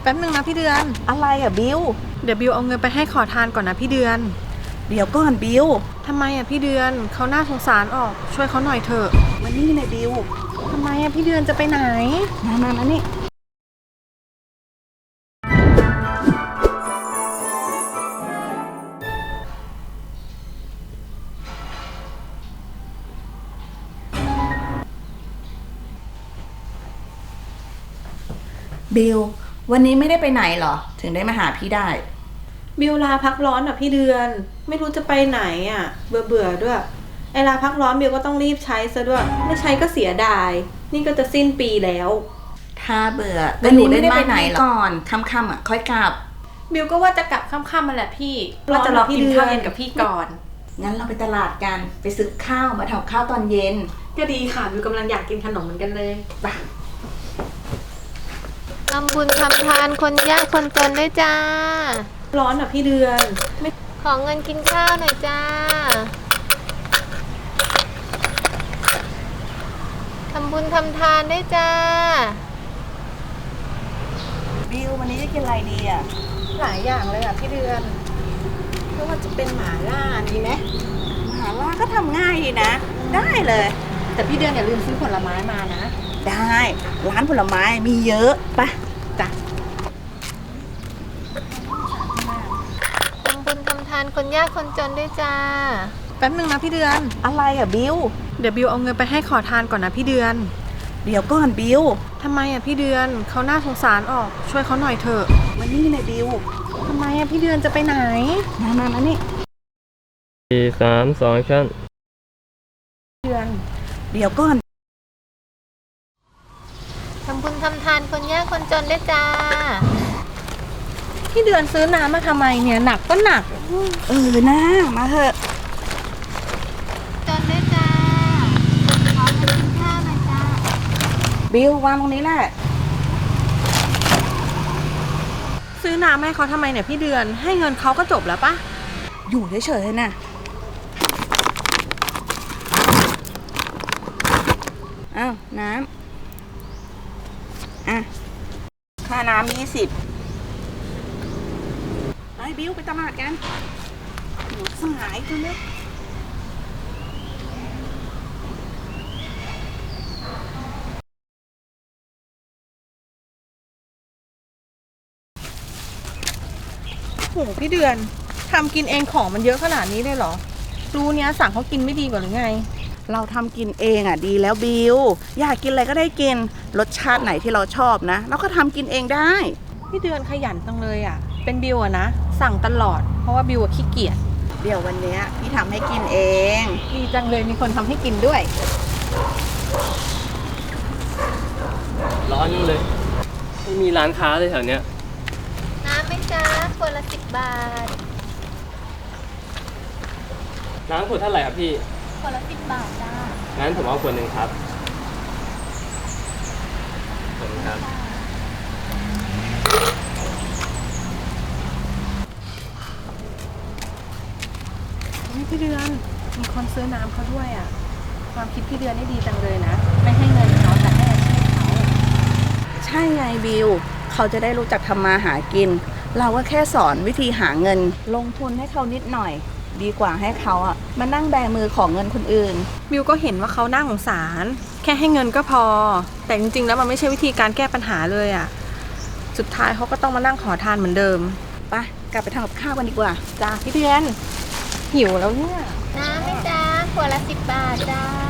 แป๊บนึงนะพี่เดือนอะไรอ่ะบิวเดี๋ยวบิวเอาเงินไปให้ขอทานก่อนนะพี่เดือนเดี๋ยวก่อนบิวทำไมอ่ะพี่เดือนเขาน่าสงสารออกช่วยเขาหน่อยเถอะมานี่เลยบิวทำไมอ่ะพี่เดือนจะไปไหนมานี่บิววันนี้ไม่ได้ไปไหนเหรอถึงได้มาหาพี่ได้บิวลาพักร้อนอ่ะพี่เดือนไม่รู้จะไปไหนอ่ะเบื่อด้วยไอลาพักร้อนบิวก็ต้องรีบใช้ซะด้วยไม่ใช้ก็เสียดายนี่ก็จะสิ้นปีแล้วถ้าเบื่อก็หนูเล่นบ้านไหนก่อนค่ำๆอ่ะค่อยกลับบิวก็ว่าจะกลับค่ำๆมาแหละพี่ว่าจะรอกินข้าวเย็นกับพี่ก่อนงั้นเราไปตลาดกันไปซื้อข้าวมาทำข้าวตอนเย็นก็ดีค่ะบิวกำลังอยากกินขนมเหมือนกันเลยไปทำบุญทำทานคนยากคนจนด้วยจ้าร้อนอ่ะพี่เดือนไม่ขอเงินกินข้าวหน่อยจ้าทำบุญทำทานด้วยจ้าบิววันนี้จะกินอะไรดีอ่ะหลายอย่างเลยอ่ะพี่เดือนไม่ว่าจะเป็นหม่าล่าดีไหมหม่าล่าก็ทำง่ายดีนะได้เลยแต่พี่เดือนอย่าลืมซื้อผลไม้มานะได้ร้านผลไม้มีเยอะปะจ้ะทำบุญทำทานคนยากคนจนด้วยจ้าแป๊บนึงนะพี่เดือนอะไรอ่ะบิวเดี๋ยวบิวเอาเงินไปให้ขอทานก่อนนะพี่เดือนเดี๋ยวก่อนบิวทำไมอ่ะพี่เดือนเขาน่าสงสารออกช่วยเขาหน่อยเถอะมานี่เลยบิวทำไมอ่ะพี่เดือนจะไปไหนมานี่ 4 3 2 ชั่นเดือนเดี๋ยวก่อนทำบุญทำทานคนยากคนจนด้วยจ้าพี่เดือนซื้อน้ำมาทำไมเนี่ยหนักก็หนักนะมาเถอะจนด้วยจ้าขอเงินกินข้าวหน่อยจ้าบิววางตรงนี้แหละซื้อน้ำให้เขาทำไมเนี่ยพี่เดือนให้เงินเขาก็จบแล้วปะอยู่เฉยๆนะอ้าวน้ำค่าน้ำ20ไปบิวไปตลาดกันหนูสายตัวเล็กโหพี่เดือนทำกินเองของมันเยอะขนาดนี้เลยเหรอรู้เนี้ยสั่งเขากินไม่ดีกว่าหรือไงเราทำกินเองอ่ะดีแล้วบิวอยากกินอะไรก็ได้กินรสชาติไหนที่เราชอบนะเราก็ทำกินเองได้พี่เดือนขยันจังเลยอ่ะเป็นบิวอะนะสั่งตลอดเพราะว่าบิวขี้เกียจเดี๋ยววันนี้พี่ทำให้กินเองดีจังเลยมีคนทำให้กินด้วยร้อนอยู่เลยไม่มีร้านค้าเลยแถวเนี้ยน้ำไหมจ้าคนละ10 บาทน้ำขวดเท่าไหร่ครับพี่คนละ10 บาทจ้างั้นผมเอาขวดหนึ่งครับขอบคุณครับพี่เดือนมีคนซื้อน้ำเขาด้วยอ่ะความคิดพี่เดือนได้ดีจังเลยนะไม่ให้เงินเขาแต่ให้อาชีพเขาใช่ไงบิวเขาจะได้รู้จักทำมาหากินเราก็แค่สอนวิธีหาเงินลงทุนให้เขานิดหน่อยดีกว่าให้เขาอ่ะมานั่งแบมือของเงินคนอื่นบิวก็เห็นว่าเขาน่าสงสารแค่ให้เงินก็พอแต่จริงๆแล้วมันไม่ใช่วิธีการแก้ปัญหาเลยอ่ะสุดท้ายเขาก็ต้องมานั่งขอทานเหมือนเดิมไปกลับไปทำกับข้าวกันดีกว่าจ้าพี่เดือนหิวแล้วเนี่ยน้ำไหมจ้าขวดละ10 บาทจ้า